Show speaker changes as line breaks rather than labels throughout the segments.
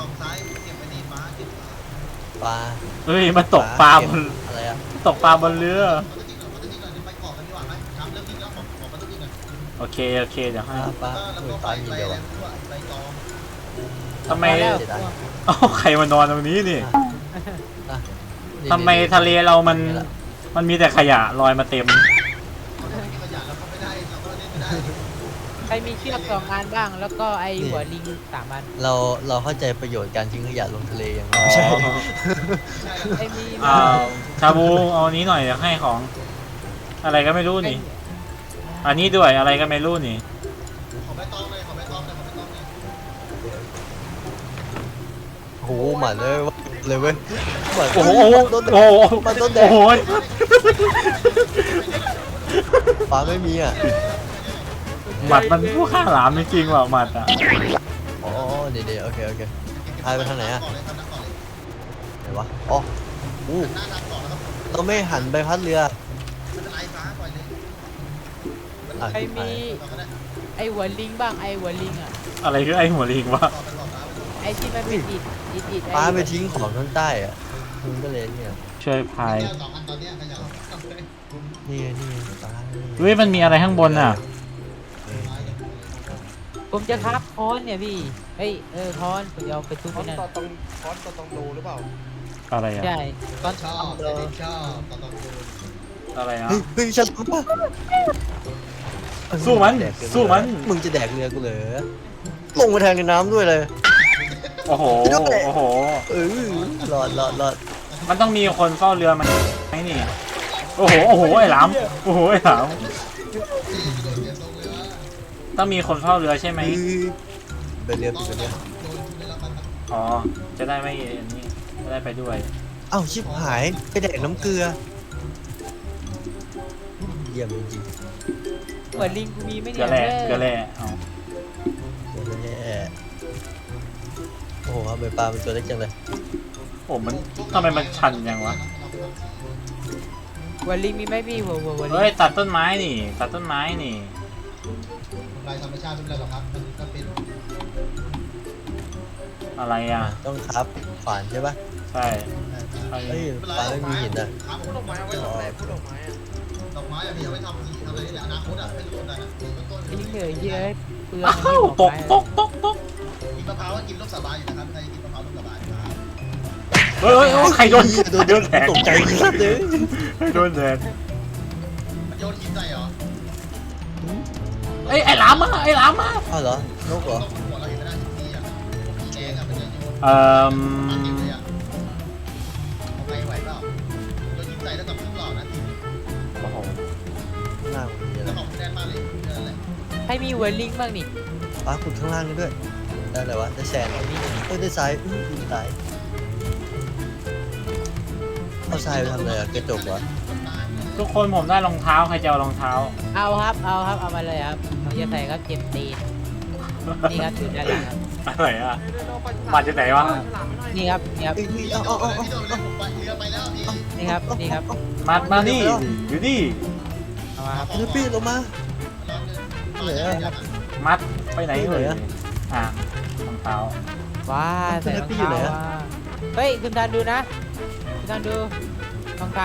องซ้ายเก็บไปดีฟ้าเก็บ
ปลา
เฮ้ยมันตกปลาบน
อะไรอะ
ตกปลาบนเรือ
มันจะจริงเหรอมันจะจริงเหรอเดี๋ยวไปเกาะกันดีกว่าไหมครับเริ่มจริงแล้วของมันต้องจริงอ่ะ
โอเคเดี๋ยวให้
ปลา
แล้ว
เฮ้
ก็
ย
ไป
ปลามี
ไป
เดียว
อะไร
อะ
ไม่รู้อะไปกอง
ทำไม
เสียดาย
เอ้าใครมานอนตรงนี้นี่
อ่ะนี่
ทำไมทะเลเรามันมีแต่ขยะลอยมาเต็ม
เขาจะมีขยะแล้วก็ไม่ได้เราก็เล่นไม่ได้
ใครมีเชือก2 อันบ้าง แล้วก็ไอหัวลิง3 อัน
เราเข้าใจประโยชน์การทิ้งขยะลงทะเลยังไง
อ๋อ
ไม่ใช่
ไอมี
ชาบูเอาอันนี้หน่อยเดี๋ยวให้ของ อะไรก็ไม่รู้นี่ อันนี้ด้วยอะไรก็ไม่รู้นี่
ขอใบตองเลยขอใบตองเลยขอใบตองเลย
โอ้โหหมันเลยเลยเว้ยหมัน
โอ้โห
ต้นแด
โอ้
ง
โห
มันต้นแด
โอ้
ง
โห
ปลาไม่มีอ่ะ
หมัดมันผู้ฆ่าหลามจริงๆว่ะหมัดอ่ะ
อ๋อเดี๋ยวโอเคพายไปทางไหนอ่ะ
ก่อนเลยทำนักก่อนเลย
ไหนวะอ๋ออู้
หน้าทางก่อนแล้วครับ
เราไม่หันใบพัดเรือ
ไม่เป็นไรฟ้าปล่อยเลย
อ่ะ
ใครมี
ต่อก็ได้
ไอหัวลิงบ้างไอหัวลิงอ่ะ
อะไรคือไอ้หัวลิงวะ
ต่อไปต่อฟ้า
ไอที่มันเป็นอิด
ปลาไปทิ้งของข้างใต้อ่ะมันก็เลยเนี่ย
ช่วยพาย
แก้ว2 อันตอนเนี้ยขยะทำเลย
นี่ปลา
เฮ้ยมันมีอะไรข้างบนอ่ะ
ผมจะครับค้อนเนี่ยพี่เฮ้ยค้อนผมจะเอาไปทุบ
คอ
ไป
น
นั่น
ต่อตรงคอนต่อตรงรูหรือเปล่า
อะไรอ่ะ
ใช่ค้อน
ชอบไม่ได้ชอบต่อดู
อะไรอ่ะ
เฮ้ยฉันรู้ป่ะ
สู้มัน
แดกเรือ
สู้มัน
มึงจะแดกเรือกูเหรอลงมาแทงในน้ำด้วยเลย
โอ้โหโอ้โห
เออรอด
มันต้องมีคนเฝ้าเรือมันไหมนี่ โอ้โหไอ้หลามโอ้โหไอ้หลามต้องมีคนเฝ้าเรือใช่ไหม
ไปเรือปิดไปเรือ
อ๋อจะได้ไม่อันนี้จะได้ไปด้วย
เอ้าชิบหายไปแดกน้ำเกลือเยี่ยมจริง
หัวลิงกูมีไหม่
เกลื
เนี่
อย แร่เกลือแร่เอา
ๆตัวแย่โอ้โหทำไมปลาเป็นตัวเล็กจังเลย
โอ้มันทำไมมันชันยังวะ
หัวลิงมีไหมพี่หัวลิง
เฮ้ยตัดต้นไม้นี่ตัดต้นไม้นี่
ลายธรรมชาติไม่เป็นไรหรอกครับมันก็เป็น
อะไรอ่ะ
ต้องครับฝานใช่ปะ
ใช่ใช่
เฮ้ยปลาไม่มีหินอ่ะ
ครับ
พูดดอกไม้เอาไว้ทำอะไรพูดดอกไม้อะ
ดอกไม้อะพี่เอาไว้ทำสีทำอะไรนี่แหละอนาคตอะไม่รู้เหมือนกันนะต้น
ลิงเหนื่อยเยอะเปลือง
อ้าวตก
กินมะพร้าวก็กินลูกสาบานอยู่นะครับใครกินมะพร้าวลูกสาบานครับ
เฮ้ยใครโดนแดด
ตกใจสัสเลย
โดนแดด
มันโยนหินใส่เหรอ
เอ้ยไอ้หลามมาไอ้หลามมา
อ้าวเหรอนกเหรอ
ต้องหัวเราเห็นไม่ได้ทุกทีอะสีแดงอะมันจะโยน
เอ่อ
มันเก็บเลยอะเอาไปไหวเปล่าโยนหินใส่แล้วกับเครื่องหล่อนะที
โอ้โห
ข้างล่างมีอะไร
แล้วของแน่นมากเลยนั่นแหละ
ใครมีหัวลิงบ้างนี่
ปลาขุดข้างล่างนี่ด้วยได้อะไรวะได้แซนได้ทรายตายเอาทรายไปทำอะไรอะกระจกวะ
ทุกคนผมได้รองเท้าใครจะเอารองเท้า
เอาครับเอามาเลยครับผมจะใส่ครับเจ็บตีนนี่ครับถือด้านหลังครับ
อะไรอ่ะ มาจากไหนวะ
นี่ครับนี่ครับ
เอ้ย
พี่
เอา
โด
เอา
น
เอา
พี่โดนเลยผมไปเรือไปแล้วพี่
นี่ครับนี่ครับ
มานี่อยู่นี่
เอามาครับ
เนื้อปี้ลงมา เหลือ
มัดไปไหน
ที่ไหน
เอ่ย
อะ
อ่ะรองเท้า
ว้าใส่รอง
พี่อยู่
เท้า
ไหนอะ
ว่ะเฮ้ยคุณทันดูนะคุณทันดูรองเท้า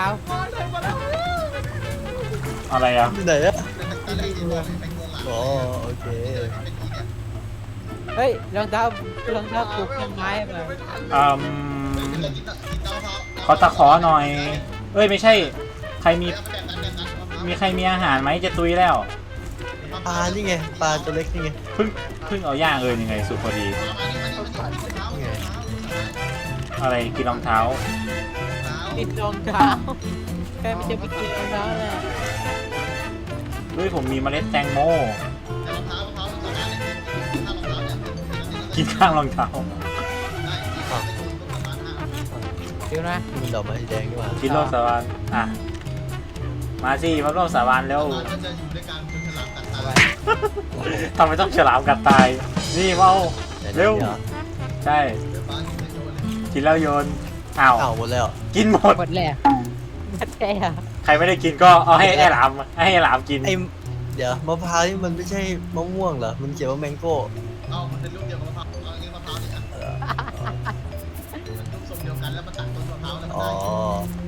อะไรอ่ะ
ที่ไหนอะ
ตอนแรกที่บอกเลยไปโกงหลัง
อ๋อโอเค
เป็นพี่เนี่ย
เฮ้ยรองเท้าปลูกต้นไม้มา
อืม
เป็นเรากินเต้าเท้า
ขอตะขอหน่อยเอ้ยไม่ใช่ใครมี
แล้วแบบนั้น
มีใครมีอาหารไหมจะตุยแล้ว
ปลานี่ไงปลาตัวเล็กนี่ไง
เพิ่งเอาย่างเลยยังไงสุดพอดี
นี่ไง
อะไรกินรองเท้า
ติดรองเท้าใครมันจะไปกินรองเท้าเลย
ด้วยผมมีเมล็ดแตงโม
แต่รองเท้ารองเท้ามันสามารถเนี่ยถ้ารองเท้าเนี่ย
กินข้างรองเท้า
ได้ประมาณ5
เดี๋ยวนะ
นี่มันดอกไม้สีแดงนี่หว่า
กินโลกสาบานอ่ะมาสิมาร่วมสาบานแล้ว
มันก็จะอยู่ด้วยกันจนฉลามกัดตา
ทำไมต้องฉลามกัดตาย นี่เมา เร็ว ใช่
เดี๋ยวฟ้าอยู่ในโยนเลย
กินแล้วโยนอ้าว
อ้าวหมดแล้ว
กินหมด
หมดแล้วหมดแล้ว
ใครไม่ได้กินก็เอาให้ไอ้หลามกิน
ไอ้เดี๋ยวมะพร้าวนี่มันไม่ใช่มะม่วงเหรอมันเขียนว่าแมงโก้
เอามันเป็นลูกเดียวกับมะพร้าวเอาอันนี้มะพร้าวนี่อ่ะ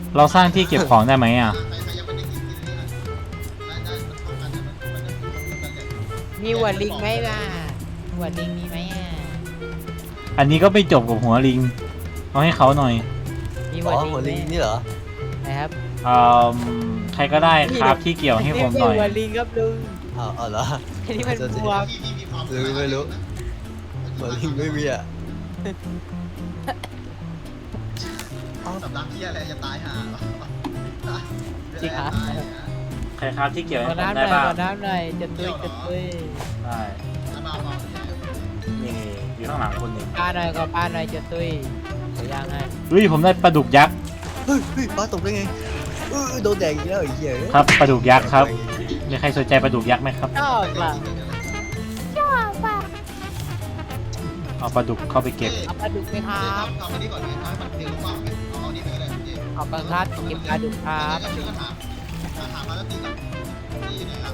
เราสร้างที่เก็บของได้ไหมอ่ะ
ใครยังไม่ได้กินนี่อ่ะได้มันเข้ากันมันจะคู่กันเลย
มีหัวลิงไหมล่ะหัวลิงมีไหมอ่ะ
อันนี้ก็ไปจบกับหัวลิง เอาให้เขาหน่อย
มี
อ๋
หั
อ
วลิง
หัวลิง
ไหม
นี่เหรอ
นะครับ
ใครก็ได้ครับที่เกี่ยวให้ผมหน่อย
หัวลิงครับลุง
อ๋อเหรอ
อันนี้มันบวม
ที่มีความ
ไม่รู้หัวลิงไม่มีอ่ะ
สำลักที่อะไรจะตายห่า
จริงเหรอ
ใครครับที่เกี่ยว
ข
ให้
อ
ผม
น้ำห
ได้
น่อย
บ้าง
ขอน้ำหน่อยจะตุ้ยจะตุ้ย
ได้
เบา
นี่อยู่ข้างหลังคนหนึ่ง
ปลาหน่อยขอปลาหน่อยจะตุ้ยขอย่างให้
เฮ้ยผมได้ปลาดุกยักษ์
เฮ้ยปลาตกได้ไงโดนแดงอีกแล้วไอ้เหี้ย
ครับปลาดุกยักษ์ครับ มีใครสนใจปลาดุกยักษ์ไหมครับ
ชอบล่ะ
เอาปลาดุกเข้าไปเก็บ
เอาปลาดุกไหมค
ค
รั
รั
บบ
ทำอันนี้ก่อนไหมครับมันเพียงว่างเอาอันนี้ไปก็ได้เจ๊
เอาปลาคัดเก็บปลาดุกครับ
ชื่อก็ถามมาแล้วตีกับตีไหนครับ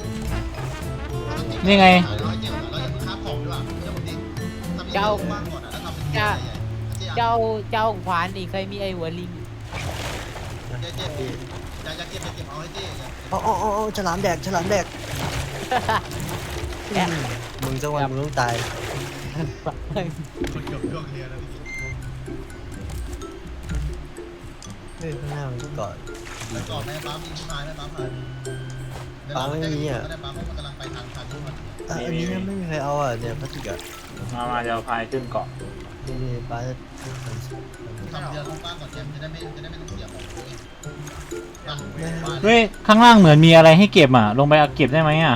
นี่ไง
เราจะเพิ่งค้าของด้วยเดี๋ยวผมดิทำยังว่างก่อนแล้วทำเป็นใหญ่ๆ
เจ้าขวานนี่เคยมีไอ้หัวลิง
เจ๊จะเก็บเอาให้เจ๊
อ๋อฉลามแดกมึงสักวันมึงต้องตาย
คนเกือบเรียนแล้วพี่
เฮ้ยข้างหน้ามันก็เกาะ
แล้วก่อนแม่ปั๊มมีพายแม่ปั๊มพาย
ปั๊มไม่มีอ่ะ
แม่ปั๊มมันกำลังไปทางทุกคน
อันนี้ไม่มีใครเอาอ่ะเนี่ยพลาสติกอ่ะ
มาเดี๋ยวพายขึ้นเกาะ
นี่ปลา
ทำเรือลงบ้างก่อนเจ๊จะได้ไม่ต้องเสียของตัวเอง
เฮ้ยข้างล่างเหมือนมีอะไรให้เก็บอ่ะ ลงไปเอาเก็บได้ไหมอ่ะ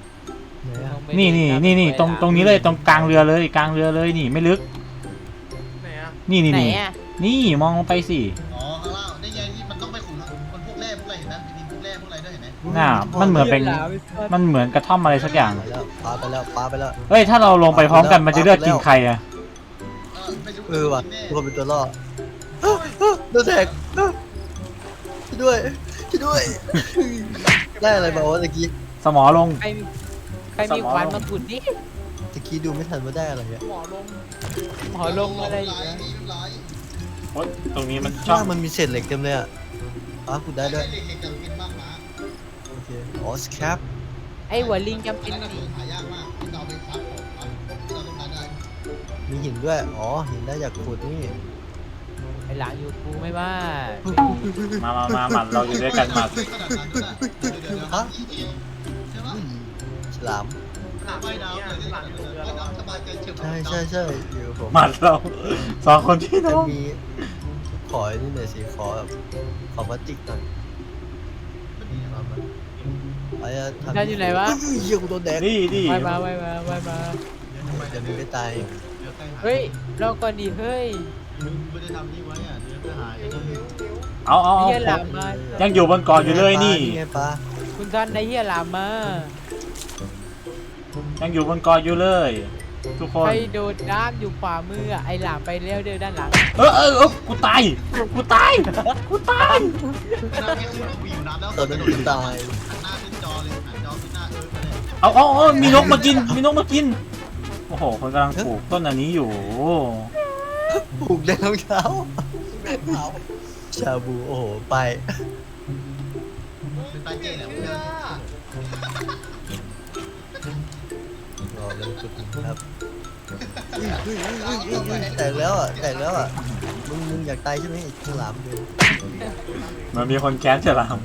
นี่ตรงนี้เลยตรงกลางเรือเลยนี่ไม่ลึก
ไหนอะ
นี่
ไหนอ่ะ
นี่มองลงไปสิ
อ๋อข้างล่างได้ไงที่มันต้องไปขุดมันพวกแร่พวกอะไรเห็นไหมมีพวกแร่พวกอะไรด้วยเห็นไหม
น่ามันเหมือนเป็นมันเหมือนกระท่อมอะไรสักอย่าง
ปลาไปแล้ว
เฮ้ยถ้าเราลงไปพร้อมกันมันจะเลือกกินใครอ่ะ
ว่ะทุกคนเป็นตัวล่อโดนแทกช่วยด้วยได้อะไรมาวะตะกี้
สมอลง
ใครมีขวานมาขุดนี่
ตะกี้ดูไม่ทันว่าได้อะไรอ่ะ
หมอลง
หมอลงอะไรอยู่นะ
โอ๊ยตรงนี้มันช่
ช่
อ
อง งมันมีเศษเหล็กเต็มเลยอ่ะปลาขุดได้ด้วย
เด็กๆกับกินมากนะ
โอเคอ๋อสแคป
ไอ้หัวลิงจำเป็น
นั่น
นี่
หายากมากที่เราไปซับของที่เราต้องการได้
มีหินด้วยอ๋อหินได้จากขุดนี่
ไอ้หลังอยู่กูไม่ว่า
มาหมัดเราอยู่ด้วยกันหมัด
ขนาดนั้นด้วยใช่ปะ
ฉลาม
หลังว่ายน้ำเลยหลังว่ายน้ำสบายใจเฉียบ
ใช่อยู่กับผม
หมัดเราสองคนพี่น้
จะ
อง
มีขอนี่หน่อยสิขอแบบขอพลาสติกหน่อยไอ้ทำเหี้ยกูโดนแดก
นี่
ไว้มา
จะไม่ตาย
เฮ้ยเราก่อนดีเฮ้ย
ไม่ได้ทำนี่ไว้อ่ะเนื้อจะหาย
เอา
เฮียหลามมา
ยังอยู่บนเกาะอยู่เลยนี่
ไงปลา
คุณท่านได้เฮียหลามมา
ยังอยู่บนเกาะอยู่เลย ทุกคน
ใครโดดน้ำอยู่ขวามือไอ้หลามไปเร็วเดินด้านหลัง
กูตายกูตาย
น้ำไม่ขึ้นวิวน้ำแล้ว
ตอนนั้นกูตาย
หน้าขึ้นจอเลยจอขึ้นหน้าไปเลย
เอามีนกมากินโอ้โหคนกำลังปลูกต้นอันนี้อยู่
ปลูกได้รองเท้าชาบูโอ้โหไป
เป็นตาเจ๊แหละเพื่อน
รอเรื่องจุดครับแตกแล้วอ่ะมึงอยากตายใช่ไหมไอ้ฉลามดู
มันมีคนแค้นฉลาม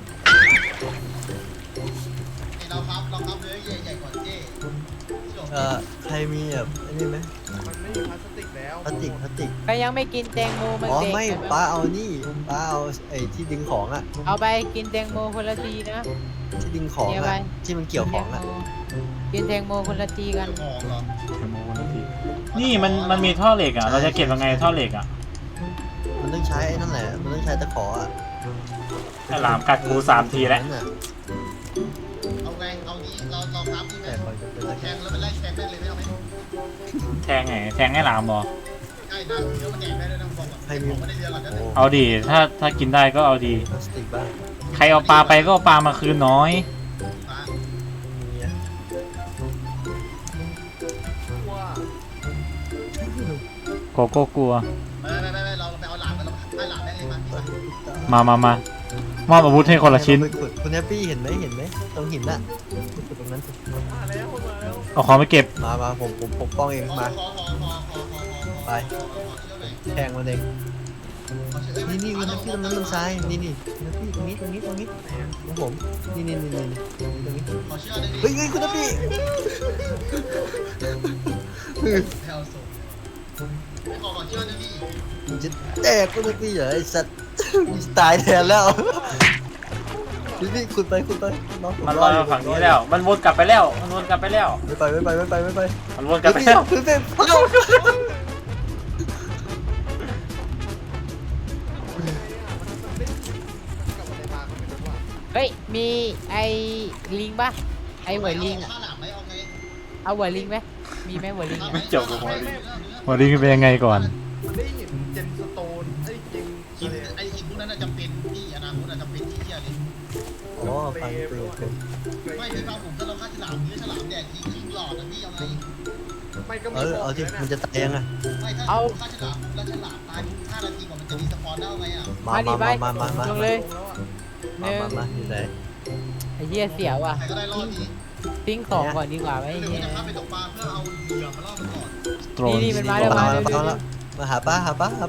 เราครับเลยใหญ่กว่าเจ๊
ใครมีแบบอันนี้ไหม
มันไม่มีพลาสติกแล้ว
พลาสติก
ใครยังไม่กินแตงโมมัน
อ๋อ
เด็ก
ไม่ป้าเอานี่ป้าเอาไอ้ที่ดึงของอ่ะ
เอาไปกินแตงโมคนละทีนะ
ที่ดึงของ
เดี๋ยวไป
อ่ะที่มันเกี่ยวของอ่ะ
กินแตงโมคนละทีกัน
ของเหรอ
นี่มันมีท่อเหล็กอ่ะ เราจะเก็บยังไงท่อเหล็กอ่ะ
มันต้องใช้ไอ้นั่นแหละมันต้องใช้ตะขออ่ะ
ฉลามกัดกู3 ทีแล้ว
นั่นน่ะ
เอาไงเอานี้เราครับนี่ไหม
แต่ก่อนจะเป็นตะ
แท
แค
ง
ง
แล้วมันไล่แทงได้เลยไม่เอาไหม
แทงไงแทงให้หลามบอ
ใช่นะเดี๋ยวมันแดกได้ด้วยนะบอกว่าไม่ได้เรียนหรอกนะ
โอ้
เอาดีถ้ากินได้ก็เอาดี
พลาสติกบ้าง
ใครเอาปลาไปก็เอาปลามาคืนน้อย
มีอ่ะ
ว่า
โกโก้กลัว
ไม่เราไปเอาหลานมาเราให้หลานแม่เลยมาพี่
มามอบอาวุธให้คนละชิ้น
ไปขุดคุณแฮปปี้เห็นไหมตรงหินน่ะไปขุดตรงนั้นสิ
มาแล้วมาแล้ว
เอาของไปเก็บ
มาผมปกป้องเองมา ไป แทงมันเองนี่คุณแฮปปี้ตรงนั้นตรงซ้ายนี่คุณแฮปปี้ตรงนี้ตรงผมนี่ตรงนี้
ขอเชื่อได้ดิ
เฮ้ยคุณแฮปปี้
แถวส่งไม่ขอเชื่อได้ดิ
มึงจะแตกคุณแฮปปี้เหรอไอ้สัตว์มึงจะตายแทนแล้วพี่ขุดไปน้องผม
มัน
ร
ล
อ
อย
อยู่
มาฝั่งนี้แล้ว มันวนกลับไปแล้ว มันวนกลับไปแล้ว
ไม่ไป
มันวนกลับไปแล้ว
พี่
กับอะไรมาก็ไม่รู้ว่า
เฮ้ยมีไอ้ลิงปะไอ้หัวลิงอะ
ข้าหลังไหมเอาไง
เอาหัวลิงไหมมีไหมหัวลิงอะ
ไม่จบกับหัวลิง หัวลิงเป็นยังไงก่อน
มันได้เห็นเจนสโตนไอ้เจน
หินไอ้หินพวกนั้นจะเป็นที่อนาคตจะเป็นที่เที่ยเลย
อ๋อฟังปืน
ไม่พี่ฟังผมถ้าเราฆ่าฉลามเนื้อฉลามแดกทีครึ่งหลอดนะพี่เอาไง
ไม่ก็
เอ
มี
อเอาที่มันจะตายยังไง
ไม่ถ้าฆ่าฉลามแล้วฉลามตาย5 นาทีกว่ามันจะรีสปอนได้ไงอ่ะ
มา
ลงเลย
ลงแล้วอ่ะ
หนึ่ง
มาอยู่ไหน
ไอ้เหี้ยเสียวอ่ะ
ใครก็ได้รอดนี้
ทิ้งของก่อนดีกว่าไหม
หรือ
เหี้
ว่าย จะพาไปตกปลาเพื่อเอาเหยื่อมาล่อมันก่อน
โตรน
นี่มันมาแล้ว
มาหาป้า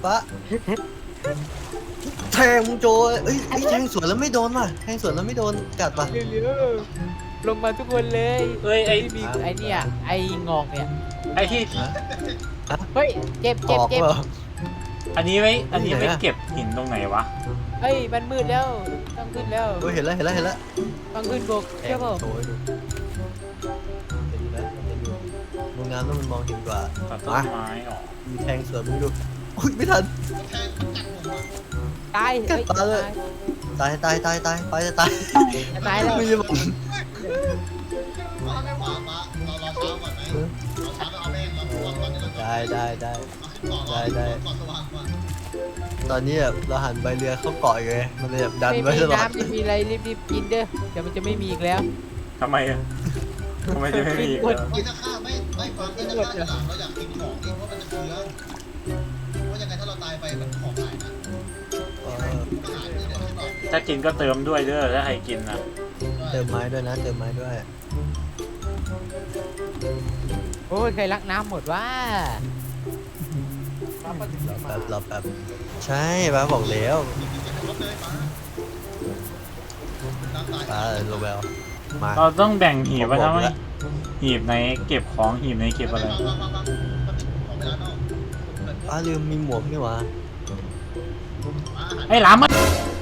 แทงมึงโจเอ้ยแทงสวนแล้วไม่โดนว่ะแทงสวนแล้วไม่โดนกัดป่ะ
เร็วๆลงมาทุกคนเลย
เอ้ย ไอ้
มีไอ้เนี่ยไอ้งอกเนี่ย
ไอ้ที่
เฮ้ยเจ็บ
ออกเหรอ
อันนี้ไว้เก็บหินตรงไหนวะ
เฮ้ยมันมืดแล้วต้องขึ้นแล้ว
โอ้ยเห็นแล้ว
ต้องขึ้นบก
แท
เจ้าง ผม
โชว์ให้ดูเห็นไหมโรงงานต้องมันมองเห็นกว่า
ตัดต้นไม้ออก
มีแทงสวนมึงดูอุ้ยไม่ทัน
แทงกัดผมอ่ะ
ตาย
กัดตาเลย ตายไปจะตาย
ตายแล้ว
ไม่ใช่ผม
ปลาเรารอเช้าก่อนไหมเราเช้าเราเอาแม่งเราพวกก่อนที่เราจะ
ได้
เอาขึ้นเกาะรอก่อนสว่างก่อน
ตอนนี้แบบเราหันใบเรือเข้าเกาะอยู่ไงมันเลยแบบดัน
ไม่
ไว้
มี
ตลอด
น้ำไม่มีอะไรรีบกินเด้อเดี๋ยวมันจะไม่มีอีกแล้ว
ทำไมอะทำไมจะไม่มีอีก
ก
เหร
ด
อ
นี่ถ้าฆ่าไม่ฟังถ้าจะฆ่าฉลามเราอยากกินของนี่เพราะมันจะเชื้อเพราะยังไงถ้าเราตายไปมันของหายนะ
เออ
อาหารนี่เดี๋ยวใช่ป่ะ
ถ้ากินก็เติมด้วยเด้อถ้าใครกินนะ
เติมไม้ด้วยนะเติมไม้ด้วย
โอ้ยใครรักน้ำหมดว่า
มาปฏิบัติมา
รอแป๊บใช่ป้าบอกแล้ว
มีกินแต่รถเลยน้ำตาย
ป้าโรเบลมา
เราต้องแบ่งหีบไว้นะไหมหีบไหนเก็บของหีบไหนเก็บอะไร
วางของไม่ได้นอก
ป้าลืมมีหมวกนี่หว่า
ไอ้หลามมา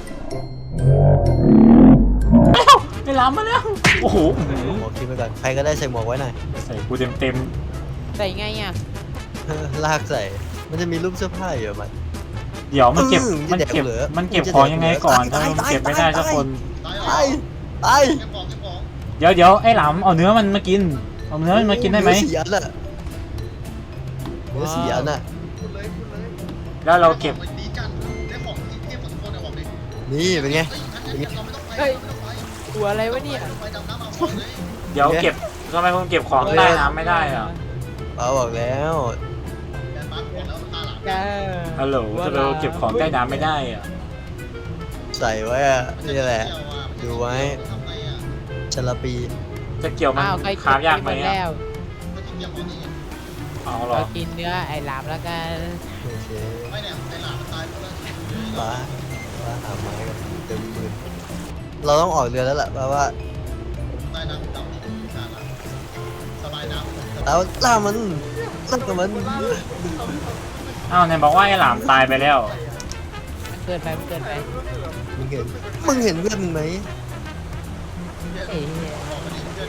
ไอ้หลามมาแล้ว โอ้โห
หมวกทิ้งไปก่อนใครก็ได้ใส่หมวกไว้หน่อย
ใส่กูเต็ม
ใส่ไงอ่ะ
ลากใส่มันจะมีรูปเสื้อผ้าอยู่มัน
ๆเดี๋ยวมันเก็บ
มันจะแดกเหลือ
มันเก็บของยังไงก่อน
ตาย
ถ้ามันเก็บไม่ได้สักคน
ไป
เก็บของ
เดี๋ยวไอ้หลามเอาเนื้อมันมากิน เอาเนื้อมันมากินได้ไหม
เนื้อสีอันน่ะเนื้อสีอันน่ะ
พูดเลย
แล้วเราเก็บ
ดีจังได้ของที่เทียบกับทุกคนบอกดิ
นี่เป็นไง
เฮ้ย
ตัวอะไรวะเนี่ย
ไปดำน้ำเอาเลย
เดี๋ยวเก็บทำไมคุณเก็บของใต้น้ำไม่ได้อะ
ป้าบอกแล้ว
แบนบ้านบอกแล้วตาหลัง
จ้า
ฮัลโหลทำไมเราเก็บของใต้น้ำไม่ได้อะ
ใส่ไว้อะนี่แหละ ดูไว้
ทำไงอ่ะ
ชลปี
จะเกี่ยวมัน
อ้าวใคร
คาบยากไหม
กิน
อะ
แล้ว
ไม่ต้องเกี่ยวกับนี่
เอาเหรอ
เรากินเนื้อไอ้หลามแล้วกัน
โอเค
ไม่เนี่ยในหลานมันตายเพราะว่า
ป้าหาไม้กันเต็มปืนเราต้องออกเรือแล้วล่ะป้าว่า
ใต้น้ำดำนี่ขาดละสบายน้ำ
แล้วล่ามันกับมัน
อ้าวไหนบอกว่าไอ้หลามตายไปแล้ว
มันเกินไป
มึงเห็นเพื่อนมึงไหม
ไอ้เหี้ย
บอกมันนี่เพื่อน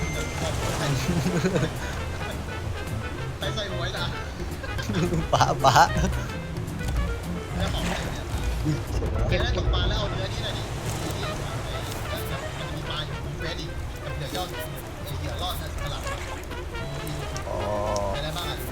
ใส่หวยล่ะ
ป้า
แล้วของเนี่ยได้ตกปลาแล้วเอาเนื้อนี่หน่อยดิมันมีปลาอยู่เฟสอีกกับเดี๋ยวยอดเดี๋ยวรอดสลับ
อ๋อ
อะไรบ้างอ่ะ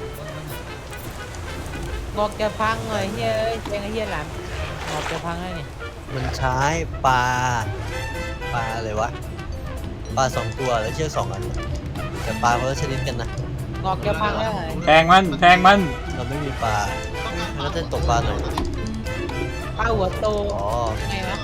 งอกจะพังเลยเฮ้ยเจ๊งไอ้เหี้ยหลามงอกจะพังแล้วนี่
มันใช้ปลาอะไรวะปลา2 ตัวแล้วเชือก2 อันแต่ปลาคนละชนิดกันนะ
งอกจะพังแล้ว
แทงมัน
เราไม่มีปลา แล้วจะตกปลาหน่อย
ป้าหัวโต
อ๋อ
ยังไงวะ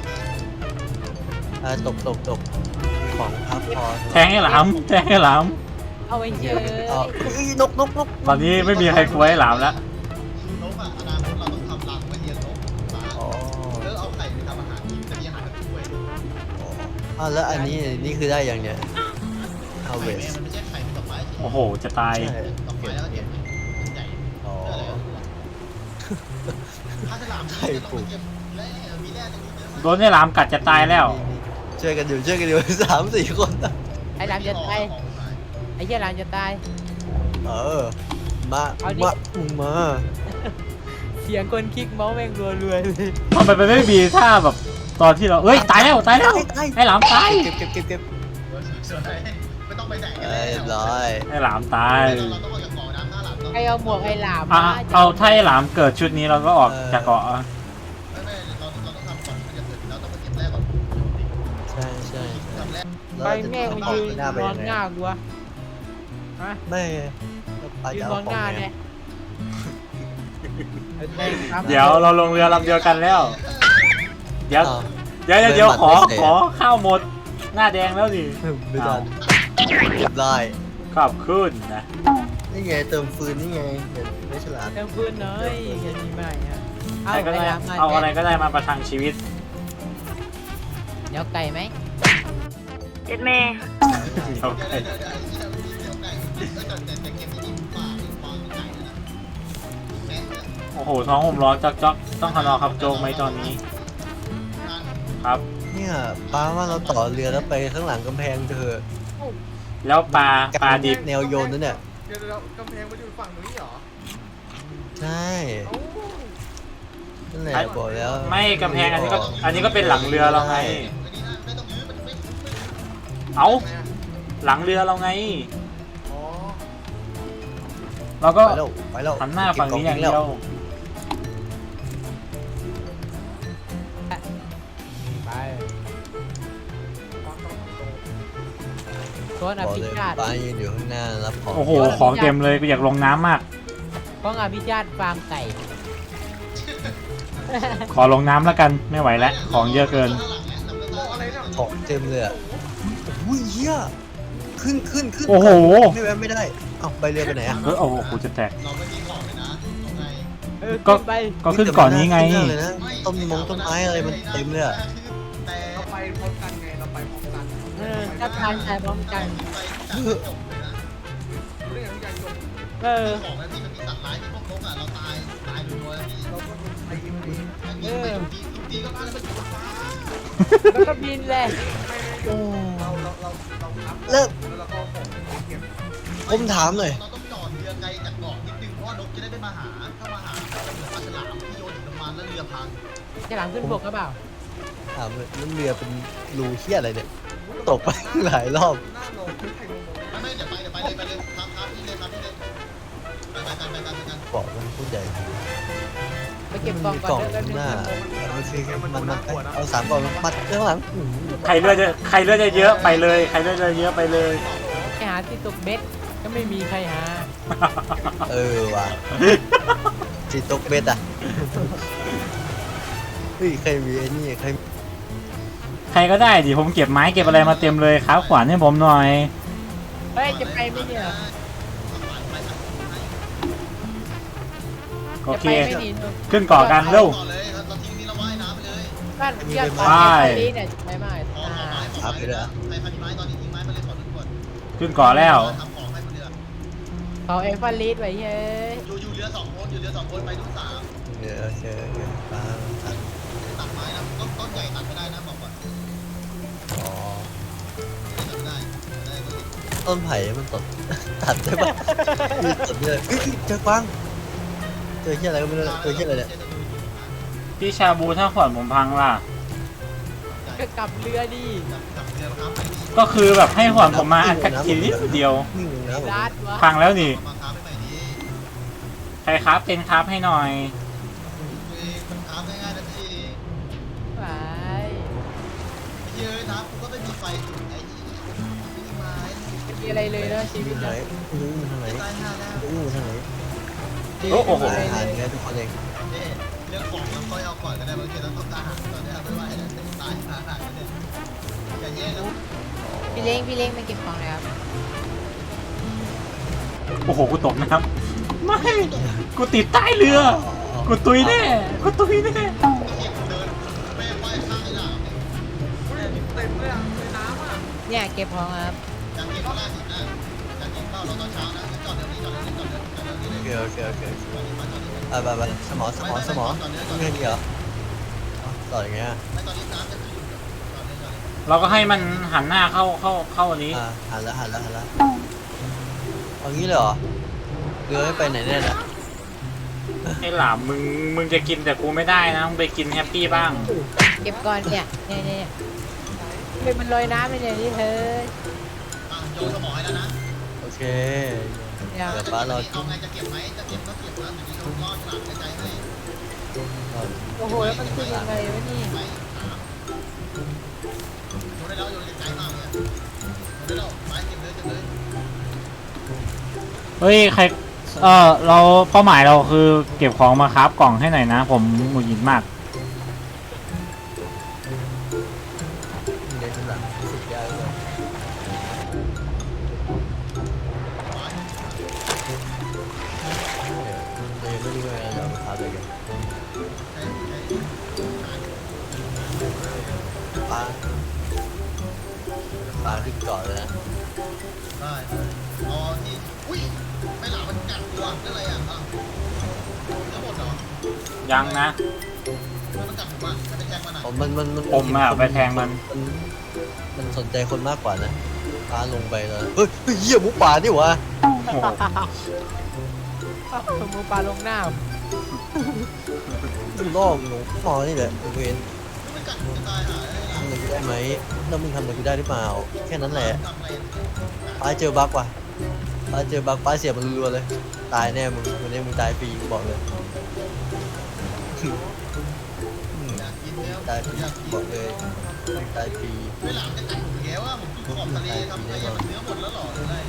ตกของพับพอ
แทงให้หลามแทงให้หลาม
เอาไว้เฉย
เอาเฮ้ยนก
ตอนนี้ไม่มีใครกลัวให้หลามแล้ว
นกอ่ะอนาคตเราต้องทำรังไว้เลี้ยงนกสา
อ๋อ
แล้วเอาไข่ไปทำอาหารกินจะมีอาหารแบบถ้วย
อ๋อแล้วอันนี้นี่คือได้อย่างเนี้ย
ไข่
harvest
แม่มันไม่ใช่ไข่เป็นดอกไม้สิ
โอ้โหจะตาย
ใช่
ดอกไม้แล้วก็เก็บเป็นใหญ่
อ๋อ
เพื่ออะไรถ้าฉลามจะต้องไปเก็บแร่มีแร่ในนี้เยอะมาก
โดนให้หลามกัดจะตายแล้ว
ช่วยกันอยู่3-4 คน
ไอ้หลามจะตายไอ้เหี้ยหลามจะตาย
เออมา
เอาดิ
มา
เสียงคนคลิกเมาส์แม่งรัวๆเลย
ทำไมมันไม่มีท่าแบบตอนที่เราเอ้ยตายแล้วให้หลามตาย
เก็บ
สวยไม่ต้องไปไหนกัน
เรียบร้อย
ให้หลามตาย
เราต้องออกจากเกาะน้ำหน้าหลับ
ใครเอาหมวกไอ้หลาม
อ่ะ
มา
เอาถ้าให้หลามเกิดชุดนี้เราก็ออกจากเกาะอ่ะ
ไม่เราต้องทำก่อนจะเกิดเราต้องไปเก็บแร่ก่อน
ใช่
ทำแร่
ไปแม่งมายืนนอนหน้ากูวะฮะ
ไม่
ยืนนอนหน้าเนี่ย
เดี๋ยวเราลงเรือลำเดียวกันแล้ว เดี๋ยว เดี๋ยวขอข้าวหมด หน้าแดงแล้วดิ
ไม่ทันเรียบร้อย
ขอบคุณนะ
นี่ไงเติมฟืนนี่ไงเห็นไม่ฉลาด
เติมฟืนหน่อยแค่นี้ไม่ฮะเอา
ใครก็
ไอ้
ได้
หลามมา
เอาอะไรก็ได้มาประทังชีวิต
เดี๋ยวไก่ไหม
เดี๋ยวไก่ โอ้โหท้องผมร้อนจ๊อกต้องขนอครับโจงไหมตอนนี้ ครับ
เนี่ยป้าว่าเราต่อเรือแล้วไปข้างหลังกำแพงเถอะ
แล้วปลาดิบ
แนวโยนนั่นเนี่ย
เดี๋ยวกำแพงมันอยู่ฝั่งนี้เหรอ
ใช่
เอ้า
นั่นแหละบอกแล้ว
ไม่กำแพงอันนี้ก็เป็นหลังเรือเราไง เอา
ทำไมอะ
หลังเรือเราไง
อ๋อ
เราก็
ไปแล้ว
หันหน้าฝั่งนี้อย่างเดียว
ไป
ฟังต้องตรง
โซนอ
บอก
ภิ
เลย
ชาติ
ป้ายืนอยู่ข้างหน้ารับของ
โอ้โห ของเต็มเลยกูอยากลงน้ำมาก
ของอภิชาติฟาร์มไก่
ขอลงน้ำแล้วกันไม่ไหวแล้ว ของเยอะเกิน
บอกอะไรเนี่ย
ของเต็มเลยอ่ะโอ้ยเหี้ยขึ้น
โอ้โห
ไม่แวะไม่ได้เอ้าไปเรือไปไหนอ่ะ
โอ้โหกูจะแตก
เราไม่มีของเลยนะเอาไง
ก็
ขึ้นไป
ก็ขึ้นก่อนนี้ไง
ขึ้เลยนะต้นไม้อะไรมันเต็มเลยอ่ะ
แต่
เราไปพร้อมกันไง เราไปพร้อมกัน
ถ้าทานใจพร้อมกัน
ไปจบเลยนะ
รู้ได้ไงพี่ใหญ่ยน
เออ
ของแล้วพี่มันมีสัตว์ร้ายที่พวกนกอ่ะเราตายรัวๆพี่
เราก็ไปกินมันเอง
นี่ไปตีก็มาแล้วมันอยู่บนฟ้า
แล้วก็บินเลย
โอ้
เราครับ
เลิก
แล้วเราก็ของเก็บ
ผมถามหน่อย
เราต้องจอดเรือไกลจากเกาะนิดนึงเพราะว่านกจะได้ไม่มาหาถ้ามาหาจะเหมือนปลาฉลามที่โยนหินลงมาแล้วเรือพัง
จะหลังขึ้นบกก็เปล่า
ถามเลยนั่นเรือเป็นรูเหี้ยอะไรเนี่ยตกไปหลายรอบ
หน้าลงไม่ใครลง
ไม่เดี๋ยวไปเลยครับพี่เลยไปกัน
บอกมันพูดใหญ่
ไปเก็บก
มั
ล่อง
มี
ก่
กล่
อ
อน ง
เดี๋ยว
ข้างหน้า
มันคือ
เอา3 กล่องมัดข้างหลัง
ใครเลือดจะเยอะไปเลย ใครเลือดจะเยอะไปเลย
ไปหาที่ตกเบ็ดก็ไม่มีใครหา
เออว่ะจีตกเบ็ดอ่ะเฮ้ยใครมีไอ้นี่ใคร
ใครก็ได้ดิผมเก็บไม้เก็บอะไรมาเต็มเลยครับขวานให้ผมหน่อย
เฮ้ยจะไปไหมเนี่ย
โอ
จะ
เค
ไปไม่หนี
ขึ้นเกาะกันเร็ว
ต่อเลยเราทิ้งนี่เราว่ายน้ำไปเลย
บ้านเรียก
ไป
นี้เนี่ยไปมาก
ขอไม้ใครมีไม้ตอนนี้ทิ้งไม้มาเลยขอทุกคน
ขึ้นเกาะแล้ว
ทำของให้คนเรือ
เขาเอฟฟันลีดไว้เฮ้ย
อยู่เรือ2 คนไปทุก3
โอเคป้าทัน
ตัดไม้นะต้นใหญ่ตัดไม่ได้นะบอกก่อน
อ๋อ
ตัดไม่ได้ก็ติด
ต้นไผ่มันตัดได้ปะมีตัดเลยเฮ้ยเจอกวางเจอเหี้ยอะไรก็ไม่รู้เจอเหี้ยอะไรเนี่ย
พี่ชาบูถ้าขวานผมพังล่ะ
ก็กลับเรือดิ
จับเรือครับ
ก็คือแบบให้ขวานผมมาอัดทีนิดเดียว
นิ่งนะผม
รัดวะ
พังแล้วนี่
มาค้าไปใหม่ดี
ใครครับเป็นครับให้หน่อย
มันค้าง่ายๆนะพี่
ไป
เยอะนะกูก็ไม่มีไฟจุดไอ้นี่ไม้
ไม่มีอะไรเลยนะชีวิต
ไหน
นะ
ทางไหน
ตายห่าแล้ว
ทางไหน
โอ้โห
อาหารไงทุกคนเอง
เรือรื่องของเราค่อยเอาก่อนก็ได้บางทีเราต้องการอาหารตอนนี้ไม่ไหวแล้วตายอาหารก็ได้อย่าแย่แล้ว
พี่เล้งมาเก็บของเลยครับ
โอ้โห กูตกน้ำไม่ กูติดใต้เรือ กูตุยแน่ กูตุยแน่
เดินแม่ไหว้ข้างไอ้หลามเนี่ย
เต็มเลยอ่ะในน้ำอ่ะ
เนี่ยเก็บของครับ
อยากกินข้าวราดหินนะอยากกินข้าวเราตอนเช้านะจอดเดี๋ยวนี้จอดเดี๋ยวนี้จอดเดี๋ยวนี้เลย
โอเคไปสมอไม่มีเหรอต่ออย่างเงี้ย
ไม่ตอนนี้น้ำจะขึ้นจอดเลยจอดเลย
เราก็ให้มันหันหน้าเข้าอันนี้
หันแล้วเอางี้เลยเหรอเรือไม่ไปไหนแน่น่ะ
ไอ้หลามมึงจะกินแต่กูไม่ได้นะ มึงไปกินแฮปปี้บ้าง
เก็บก่อนเนี่ยเป็นมันลอยน้ำไปเนี่ยนี่เธอ
โยนสมอให้แล้วนะ
โอเค
เนี่ย
เดี๋ยวป้ารอ
เอาไงจะเก็บไหมจะเก็บก็เก็บนะเดี๋ยวนี้เราล่อฉลามในใจให้
โอ้โหแล้วมันขึ้นยังไงวะนี่
ไม่ถามโยนได้แล้วโยนไกลมากเลยโยนได้แล้วไม้เก็บเลยเก็บเลย
เฮ้ย ใคร เราเป้าหมายเราคือเก็บของมาครับกล่องให้หน่อยนะ ผมหงุดหงิดมาก
เดี๋ยวหลังสุดยอดเลยเดี๋ยวไม่รู้ว่าจะเอาพาไปกันปลาขึ้นเกาะเลยนะ
ได้เอาที่อุ้ยไม่หลามันกัดตัวนั่นอะไรอ่ะทั้งหมดเหรอ
ยังนะ
มันกัดผมอ่ะมันเป็นแจ็คมันอ่ะ
ผมอะไปแทงมัน
มันสนใจคนมากกว่านะปลาลงไปเลยเฮ้ยเหี้ยหมูป่านี่หวะ
โอ้โห
หมูปลาลงน้
ล่อหนูมอนี่แหละเวน
มันกัดผมจะตายหาได้หลา
ทำอะไรกูได้ไหมแล้วมึงทำอะไรกูได้หรือเปล่าแค่นั้นแหละ
ทำอะไร
ป้าเจอบั๊กว่ะป้าเจอบั๊กป้าเสียบมันรัวๆเลยตายแน่มึงวันนี้มึงตายฟรีกูบอกเลย
อยากกินแล้ว
ตายฟรี
อยากกิน
บอกเลยมึงตายฟรี
ไม่หลามจะกัดผมแกว่าผมอยู่ขอบทะเลทำไงมันเนื้อหมดแล้วหรอหรืออะไร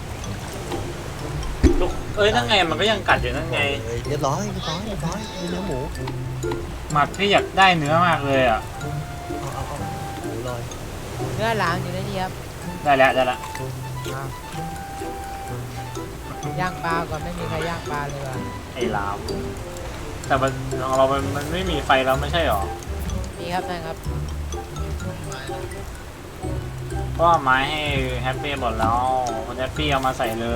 ลูกเอ้ยนั่นไงมันก็ยังกัดอยู่นั่นไง
เรียบร้อยมีเนื้อหมู
หมัดพี่อยากได้เนื้อมากเลยอ่ะ
เอาหมูลอย
ำเนื้อหลามอยู่ในนี่ครับ
ได้แล้ว
ย่างปลาก่อนไม่มีใครย่างปลาเลยว่ะ
ไอ้ลามแต่มันของเรามันไม่มีไฟแล้วไม่ใช่หรอ
มีครับนั่นครับ
เพราะว่าไม้ให้แฮปปี้หมดแล้วคนแฮปปี้เอามาใส่เลย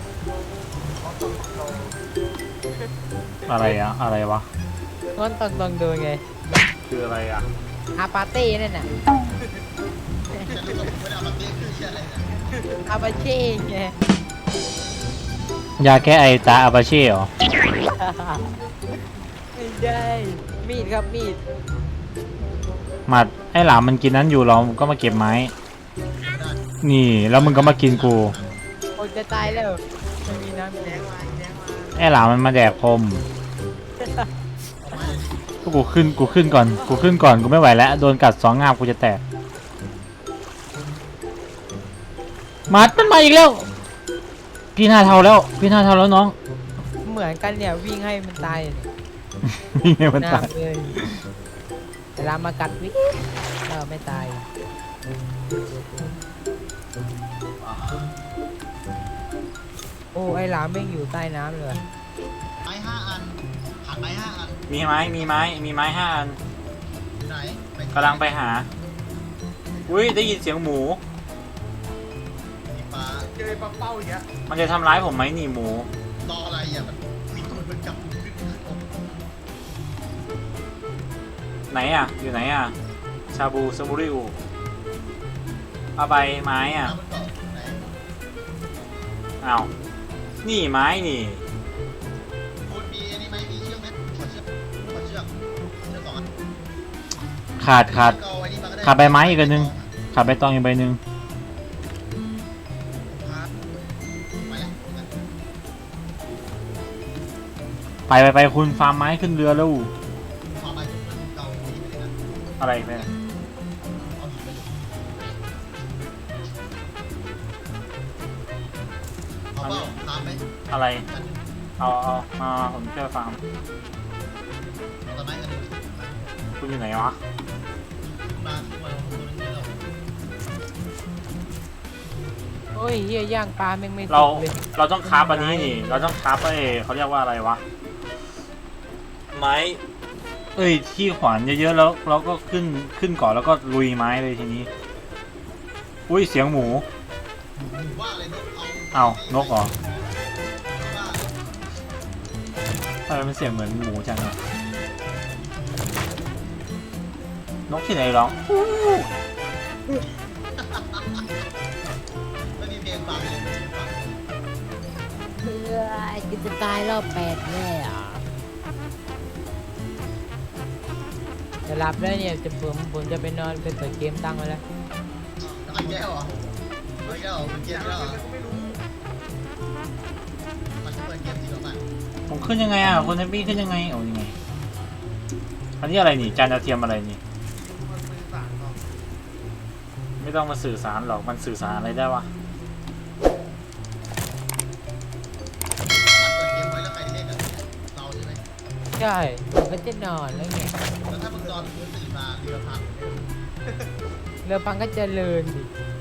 อะไรวะ
งั้นต้องดูไง
คืออะไรอ่ะ
อาปาเต้นั่นน่ะ
จะรู้ว่าผมไม่ได้เอามาเตี้ยคืออะไรนะ
อาปาเช่ไง
ยาแก้ไอตาอาบาเช่หรอ
ไม่ได้มีดครับมีด
หมัดไอ้หลามมันกินนั้นอยู่เราก็มาเก็บไม้ นี่แล้วมึงก็มากินกู
คนจะตายแล้วไม่มีน้ำแดงมา
ไอ้หลามมันมาแดกพรมกูขึ้นก่อนกูไม่ไหวแล้วโดนกัดสองงามกูจะแตกมัดมันมาอีกแล้วพี่หน้าเทาแล้วน้อง
เหมือนกันเนี่ยวิ่งให้มันตายเนี่ย
นี่ไงมันตาย
เลยเวลามากัดวิ่งไม่ตายโอ้ไอหลามแม่งอยู่ใต้น้ำเลย
ไม้5 อันหันไม้5 อัน
มีไม้5 อัน
อยู่ไหน
กำลังไปหาอุ้ยได้ยินเสียงหมู
มีปลา
เจอปลาเป้าอย่างเงี้ย
มันจะทำร้ายผมไหมนี่หมู
รออะไรอ่ะมันมีตัวมันจับขึ้น
ไหนอ่ะอยู่ไหนอ่ะชาบูซาบูริวเอาไปไม้อ่ะ
น้ำมันเกาะไหน
อ้าวนี่ไม้นี่
คุณมีอันนี้ไหมมีเชือกไหมขอเชือก2 อัน
ขาด
เอาไว้นี่มาก็ได้
ขาดใบไม้อีกอันนึง ขาดใบตองอีกใบหนึ่ง
ไปแล้ว
ไปคุณฟาร์มไม้ขึ้นเรือแล้ว
ขอไปเกาหินไปเลยนะ
อะไรแม่
เอาหินไปเลยเอาเปล่าตามไหม
อะไร
อันหนึ่ง
เอามาผมช่วยฟาร์ม
เอาไหม
คุณอยู่ไหนวะ
มาตัวนี้เรา
โอ้ยเฮียย่างปลาแม่งไม่สุ
เรา
กเลย
เราต้องคราฟอันนี้นี่เราต้องคราฟไอ้เขาเรียกว่าอะไรวะไม้เอ้ยที่ขวานเยอะๆแล้วเราก็ขึ้นก่อนแล้วก็ลุยไม้เลยทีนี้อุ้ยเสียงหมู
ว่าอะไรนก
เอานกเหรอ
ว่า
ทำไมมันเสียงเหมือนหมูจังอะนกที่ไหนร้อง
ไม่มีเพลงฟังเลยไม่มีฟัง
เพื่อกูจะตายรอบ8แน่อ่ะจะหลับแล้วเนี่ยผมจะไปนอนไปเปิดเกมตั้งไว้แล้ว
ไอ้แก้วเหรอไอ้แก้วเหรอเป็นเกมแล้วเหรอ
ก็ไม่รู้
มันเปิดเกมจริงหรือเปล่า
ผมขึ้นยังไงอ่ะคนแฮปปี้ขึ้นยังไงเอายังไงอันนี้อะไรนี่จานดาวเทียมอะไรนี่
มันสื่อสารต่อ
ไม่ต้องมาสื่อสารหรอกมันสื่อสารอะไรได้วะ
มันเปิดเกมไว้แล้วใครเล่นกันเราใช่ไหม
ใช่ผมก็จะนอนแล้วไง
แล้วถ้ามึงนอนมึงตื่นมาเรือพัง
เรือพังก็เจริญดิ
เ